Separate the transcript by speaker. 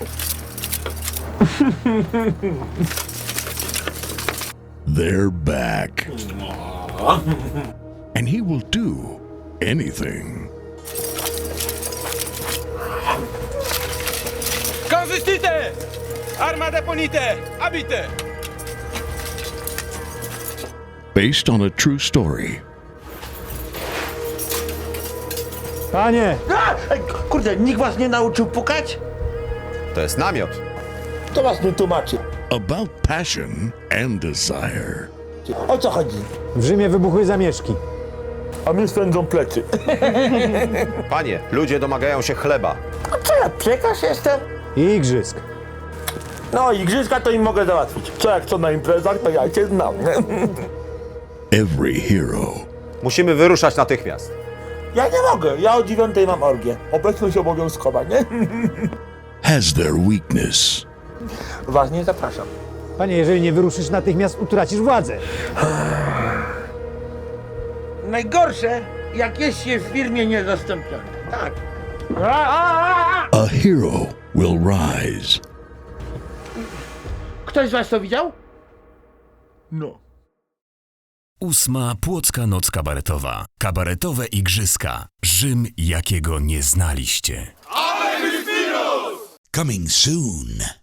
Speaker 1: They're back. And he will do anything.
Speaker 2: Consistite! Arma deponite! Abite!
Speaker 1: Based on a true story.
Speaker 3: Panie!
Speaker 4: Ej, kurde, nikt was nie nauczył pukać?
Speaker 5: To jest namiot.
Speaker 4: To was nie tłumaczy.
Speaker 1: About passion and desire.
Speaker 4: O co chodzi?
Speaker 3: W Rzymie wybuchły zamieszki.
Speaker 4: A mnie swędzą plecy.
Speaker 5: Panie, ludzie domagają się chleba.
Speaker 4: A co ja, piekarz jestem?
Speaker 3: I igrzysk.
Speaker 4: No, igrzyska to im mogę załatwić. Co jak co na imprezach, to ja cię znam.
Speaker 1: Every hero
Speaker 5: Musimy wyruszać natychmiast.
Speaker 4: Ja nie mogę, ja o 9 mam orgię. Obecność obowiązkowa, nie?
Speaker 1: has their weakness.
Speaker 4: Was nie zapraszam.
Speaker 3: Panie, jeżeli nie wyruszysz natychmiast, utracisz władzę.
Speaker 4: Najgorsze, jak jest się w firmie niezastąpiony. Tak.
Speaker 1: A hero will rise.
Speaker 4: Ktoś z was to widział? No.
Speaker 6: 8. Płocka Noc Kabaretowa. Kabaretowe igrzyska. Rzym, jakiego nie znaliście.
Speaker 7: Coming soon.